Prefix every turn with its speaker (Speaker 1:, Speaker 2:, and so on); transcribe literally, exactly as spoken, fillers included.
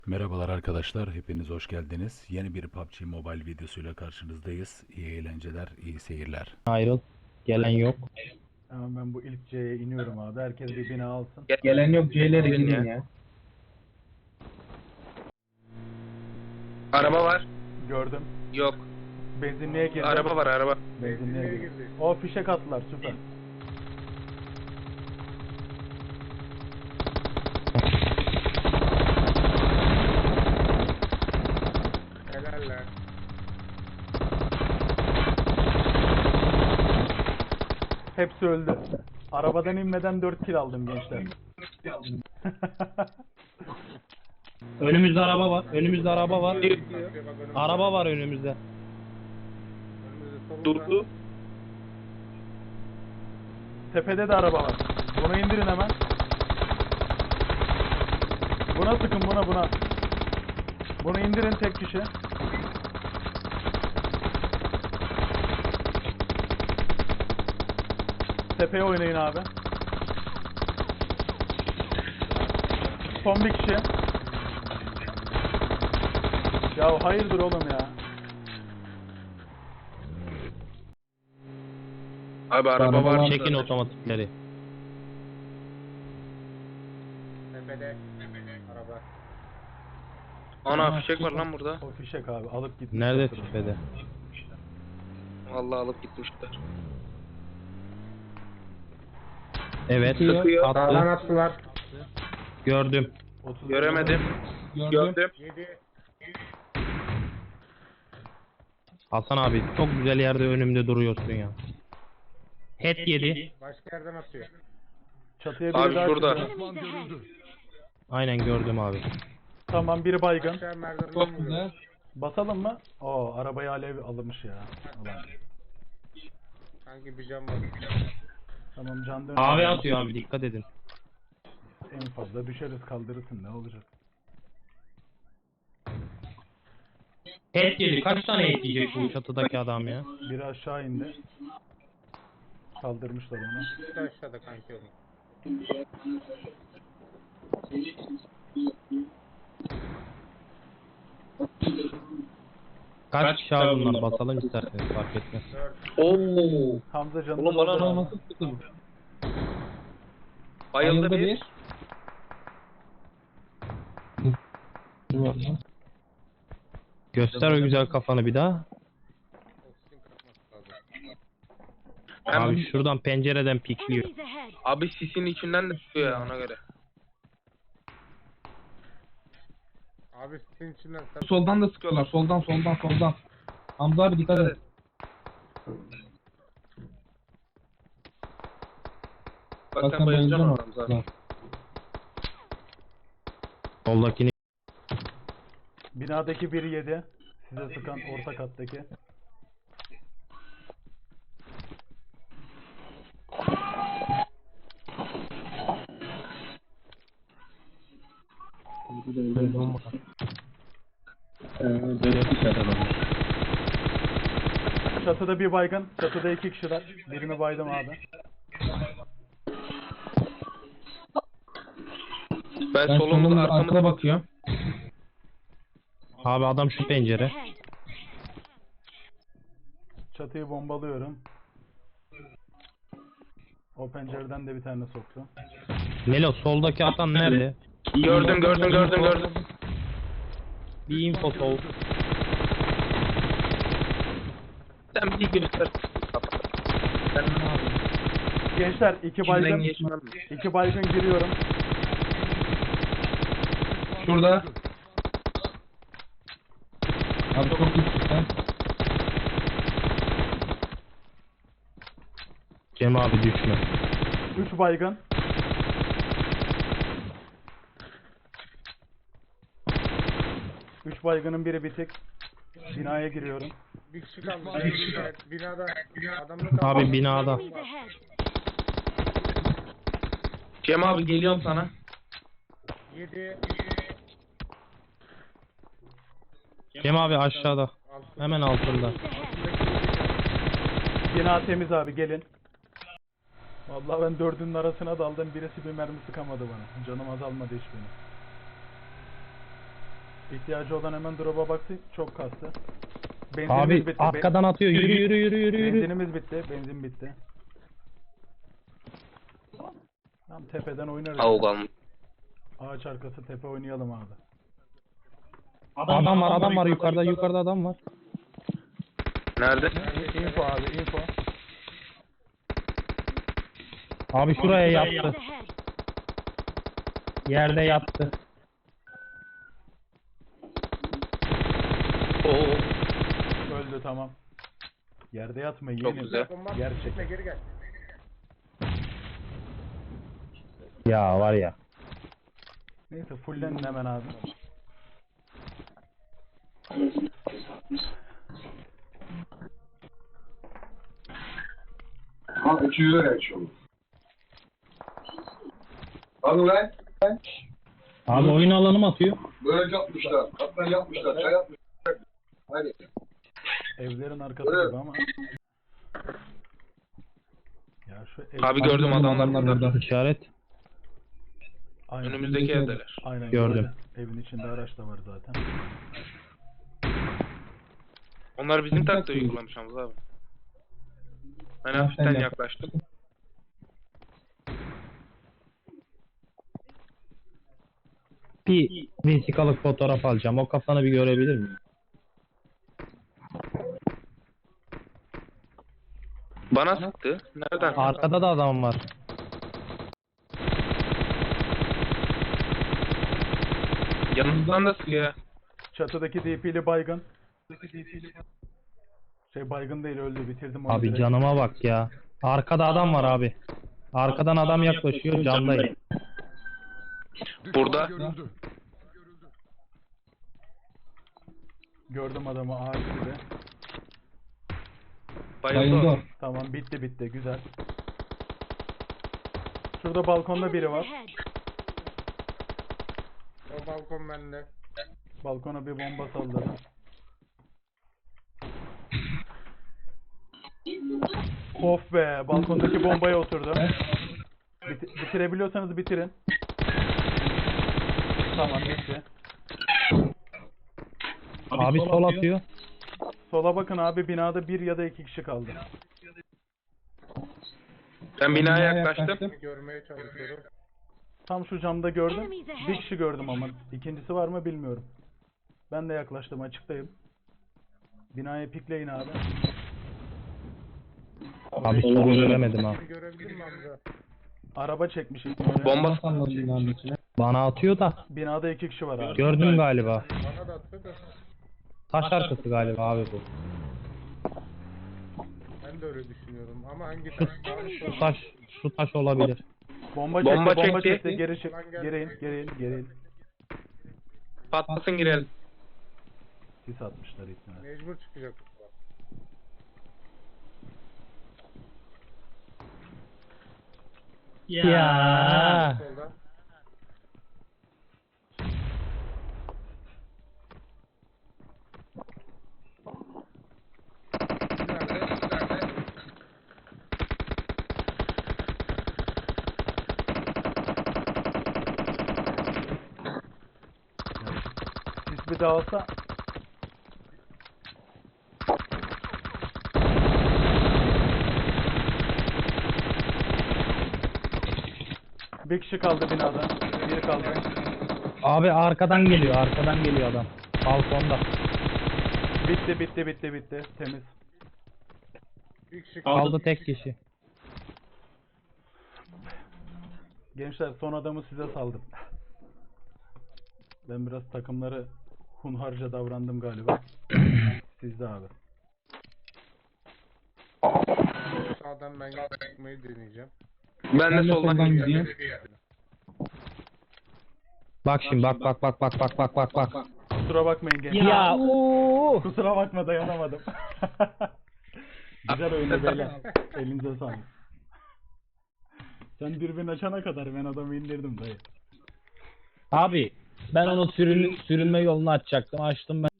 Speaker 1: Merhabalar arkadaşlar, hepiniz hoş geldiniz. Yeni bir P U B G Mobile videosuyla karşınızdayız. İyi eğlenceler, iyi seyirler.
Speaker 2: Ayrıl. Gelen yok.
Speaker 3: Hemen ben bu ilk C'ye iniyorum abi. Herkes bir bina alsın.
Speaker 2: Gelen yok. C'lere
Speaker 4: Girin
Speaker 2: girin
Speaker 4: ya.
Speaker 2: ya.
Speaker 4: Araba var.
Speaker 3: Gördüm.
Speaker 4: Yok.
Speaker 3: Benzinliğe girdi.
Speaker 4: Araba var araba.
Speaker 3: Benzinliğe girdi. O fişek attılar, süper.
Speaker 4: Helaller.
Speaker 3: Hepsi öldü. Arabadan inmeden dört kill aldım gençler.
Speaker 2: Önümüzde araba var. Önümüzde araba var. Araba var önümüzde.
Speaker 4: Durdu.
Speaker 3: Tepede de araba var. Bunu indirin hemen. Buna sıkın, buna buna. Bunu indirin tek kişi. Tepeye oynayın abi. Son bir kişi. Ya hayırdır oğlum ya.
Speaker 4: Abi araba var.
Speaker 2: Çekin otomatikleri.
Speaker 4: Tepede. Araba. Ana fişek var lan burada.
Speaker 3: O fişek abi alıp gitmiş.
Speaker 2: Nerede tepede?
Speaker 4: Vallahi alıp gitmişler.
Speaker 2: Evet.
Speaker 4: Sıkıyor.
Speaker 2: Attı.
Speaker 4: attılar.
Speaker 2: Gördüm.
Speaker 3: otuz
Speaker 4: Göremedim. Gördüm.
Speaker 2: Hasan abi çok güzel yerde önümde duruyorsun ya. Head yedi.
Speaker 5: Başka yerden atıyor.
Speaker 3: Çatıya biri
Speaker 4: Abi
Speaker 3: daha
Speaker 4: şurada.
Speaker 3: çıktı.
Speaker 2: Aynen gördüm abi.
Speaker 3: Tamam, biri baygın.
Speaker 5: Aşağı merdivenden vuruyor.
Speaker 3: Basalım mı? Oo, arabayı alev alınmış ya. Ulan.
Speaker 5: Sanki bir cam var.
Speaker 3: Tamam, can dön.
Speaker 2: Abi atıyor abi dikkat edin.
Speaker 3: En fazla düşeriz, kaldırırsın, ne olacak?
Speaker 2: Head yedi. Kaç tane head yiyecek bu çatıdaki adam ya?
Speaker 3: Biri aşağı indi. Kaldırmışlar onu.
Speaker 5: Bir de aşağıda kanki oğlum.
Speaker 2: Kaç kişi abi bunlar basalım isterseniz fark etmez.
Speaker 4: Oo.
Speaker 3: Hamza canını
Speaker 4: Oğlum bana
Speaker 3: doldur.
Speaker 4: nasıl sıktı bu? Bayıldı bir.
Speaker 2: Göster o güzel kafanı bir daha.
Speaker 5: Oksijen kapması lazım.
Speaker 2: Abi şuradan pencereden pikliyor.
Speaker 4: Abi sisin içinden de çıkıyor ya ona göre.
Speaker 5: Abi sizin içinden sen...
Speaker 6: Soldan da sıkıyorlar. Soldan soldan soldan. Hamza abi dikkat et.
Speaker 4: Bak
Speaker 6: Bak
Speaker 4: sen
Speaker 6: sen
Speaker 4: bayılacaksın
Speaker 6: bayılacaksın
Speaker 4: oradan zaten.
Speaker 6: oradan.
Speaker 2: Soldakini
Speaker 3: Binadaki biri yedi. Size sıkan orta kattaki. Çatıda bir baygın. Çatıda iki kişiler. Birini baydım abi.
Speaker 4: Ben
Speaker 6: Ben
Speaker 4: solumda
Speaker 6: solumda
Speaker 4: arkamda
Speaker 6: arkada bakıyorum.
Speaker 2: abi adam şu pencere.
Speaker 3: Çatıyı bombalıyorum. O pencereden de bir tane soktu.
Speaker 2: Melo soldaki atan nerede?
Speaker 4: gördüm gördüm gördüm gördüm.
Speaker 2: Bir info sol.
Speaker 4: Sen bir göster. Sen ne yapıyorsun?
Speaker 3: Gençler iki
Speaker 4: İçinden
Speaker 3: baygın.
Speaker 4: geçmem mi?
Speaker 3: iki baygın giriyorum.
Speaker 6: Şurada. Abi çok iyi sen.
Speaker 2: Cem abi düşme.
Speaker 3: üç baygın. üç baygının biri bitik. Binaya giriyorum.
Speaker 5: Bir kişi kalmış. Bir kişi kalmış. Binada. Adamla kalmış.
Speaker 2: Abi binada.
Speaker 4: Cem abi geliyorum sana.
Speaker 5: Yedi.
Speaker 2: Cem abi aşağıda.
Speaker 5: Altı.
Speaker 2: Hemen altında.
Speaker 3: Bina temiz abi, gelin. Vallahi ben dördünün arasına daldım. Birisi bir mermi sıkamadı bana. Canım azalmadı hiç benim. İhtiyacı olan hemen drop'a baksın. Çok kastı. Benzinimiz
Speaker 2: Abi
Speaker 3: bitti. Ben-
Speaker 2: arkadan atıyor. Yürü yürü yürü yürü yürü.
Speaker 3: Benzinimiz bitti. Benzin bitti. Tam tepeden oynarız.
Speaker 4: Avuk almış.
Speaker 3: Ağaç arkası tepe oynayalım abi.
Speaker 2: Adam var adam var yukarıda yukarıda adam var.
Speaker 4: Nerede?
Speaker 3: Info abi info.
Speaker 2: Abi şuraya yattı.
Speaker 7: ahead.
Speaker 2: Yerde yattı.
Speaker 4: Oo.
Speaker 3: Öldü tamam. Yerde yatma
Speaker 4: Çok
Speaker 3: yeğenim.
Speaker 4: güzel.
Speaker 5: Bomba
Speaker 3: Yer
Speaker 5: gitme,
Speaker 3: çek.
Speaker 5: geri gel.
Speaker 2: Ya var ya.
Speaker 3: Neyse fullenin hemen abi.
Speaker 8: Ha iki yüze gelmiş oldu. Hadi lan.
Speaker 2: Abi oyun alanı mı atıyor?
Speaker 8: Böyle yapmışlar. Kaptan yapmışlar. Çay yapmışlar. Hadi.
Speaker 3: Evlerin arkası
Speaker 8: Evet.
Speaker 3: gibi ama. Ya şu ev...
Speaker 4: Abi gördüm adamlar.
Speaker 6: Adamlar burada.
Speaker 2: İşaret.
Speaker 3: Aynen.
Speaker 4: Önümüzdeki evdeler.
Speaker 3: Aynen
Speaker 2: Gördüm.
Speaker 3: gördüm. Evin içinde araç da var zaten.
Speaker 4: Onlar bizim taktiği uygulamış Hamza abi. Ben hafiften
Speaker 6: yap.
Speaker 4: yaklaştım.
Speaker 2: Bir vesikalık fotoğraf alacağım. O kafanı bir görebilir miyim?
Speaker 4: Bana sıktı. Nereden?
Speaker 2: Arkada da adam var.
Speaker 4: Yanımızdan da sıkıyor.
Speaker 3: Çatıdaki D P'li baygın. Şey baygın değil öldü bitirdim onu
Speaker 2: Abi
Speaker 3: direkt.
Speaker 2: canıma bak ya. Arkada adam var abi. Arkadan adam yaklaşıyor camdayım.
Speaker 4: Burada.
Speaker 3: Gördüm adamı ağaç gibi.
Speaker 6: Bayıldı o.
Speaker 4: Bayıldı.
Speaker 3: Tamam bitti bitti güzel. Şurada balkonda biri var.
Speaker 7: Ahead.
Speaker 5: O balkon bende.
Speaker 3: Balkona bir bomba salladım. Of be balkondaki bombaya oturdu. Bit- bitirebiliyorsanız bitirin. Tamam bitti.
Speaker 2: Abi sol atıyor.
Speaker 3: Sola bakın abi binada bir ya da iki kişi kaldı.
Speaker 4: Ben binaya yaklaştım.
Speaker 5: Görmeye çalışıyorum.
Speaker 3: Tam şu camda gördüm. Bir kişi gördüm ama ikincisi var mı bilmiyorum. Ben de yaklaştım açıktayım. Binaya pikleyin abi.
Speaker 2: Abi sol göremedim ha.
Speaker 5: Bir görebildin mi Hamza?
Speaker 3: Araba çekmiş ihtimalle.
Speaker 4: Bomba
Speaker 6: Salladı binanın içine.
Speaker 2: Bana atıyor da.
Speaker 3: Binada iki kişi var abi.
Speaker 2: Gördüm galiba.
Speaker 5: Bana da attı da
Speaker 2: Taş arkası galiba abi bu.
Speaker 5: ben de öyle düşünüyorum. Ama hangi taş?
Speaker 2: Şu taş, şu taş olabilir.
Speaker 3: Bomba çekti,
Speaker 4: Bomba
Speaker 3: bomba,
Speaker 4: çekti.
Speaker 3: çekti. Geri çık. Geri in, geri in, geri in.
Speaker 4: patlasın girelim.
Speaker 3: Sis atmışlar ihtimalle.
Speaker 5: Mecbur çıkacak.
Speaker 2: Ya.
Speaker 5: Solda. Nerede? Nerede?
Speaker 3: Sis bir dağılsa. Bir kişi kaldı binada. Biri kaldı.
Speaker 2: Abi arkadan geliyor, arkadan geliyor adam. Balkonda.
Speaker 3: Bitti bitti bitti bitti. Temiz.
Speaker 5: Bir kişi
Speaker 2: Kaldı tek kişi.
Speaker 3: Gençler son adamı size saldım. Ben biraz takımları hunharca davrandım galiba. Sizde abi.
Speaker 5: sağdan ben çıkmayı deneyeceğim.
Speaker 4: Ben
Speaker 6: Ben
Speaker 4: de
Speaker 6: de
Speaker 4: soldan
Speaker 6: soldan
Speaker 4: gidiyorum.
Speaker 6: gidiyorum.
Speaker 2: Bak şimdi bak bak bak bak bak bak bak bak.
Speaker 3: Kusura bakmayın gençler.
Speaker 2: Ya ooo.
Speaker 3: Kusura bakma dayanamadım. Güzel oyunu beyler. Elinize sağlık. Sen dürbün açana kadar ben adamı indirdim dayı.
Speaker 2: Abi ben onu sürün, sürünme yolunu açacaktım. Açtım ben.